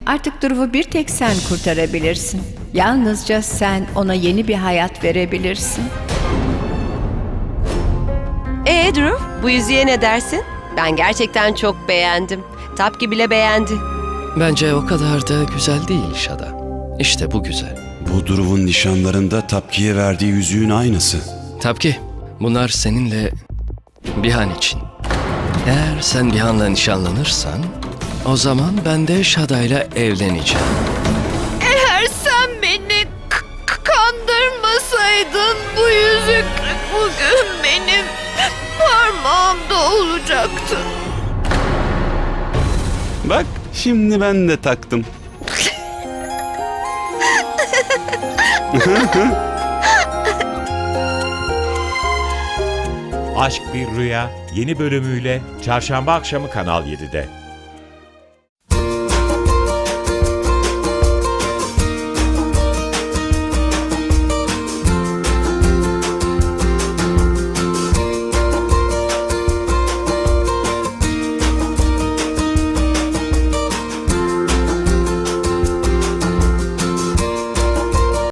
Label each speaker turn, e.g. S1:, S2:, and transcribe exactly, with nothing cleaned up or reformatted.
S1: Artık Drew'u bir tek sen kurtarabilirsin. Yalnızca sen ona yeni bir hayat verebilirsin.
S2: Ee Drew, bu yüzüğe ne dersin? Ben gerçekten çok beğendim. Tapki bile beğendi.
S3: Bence o kadar da güzel değil Şada. İşte bu güzel.
S4: Bu Drew'un nişanlarında Tapki'ye verdiği yüzüğün aynısı.
S3: Tapki, bunlar seninle Bihan için. Eğer sen Bihan'la nişanlanırsan, o zaman ben de Şada'yla evleneceğim.
S5: Eğer sen beni k- k- kandırmasaydın bu yüzük bugün benim parmağımda olacaktı.
S4: Bak şimdi ben de taktım.
S6: Aşk Bir Rüya yeni bölümüyle çarşamba akşamı Kanal yedide.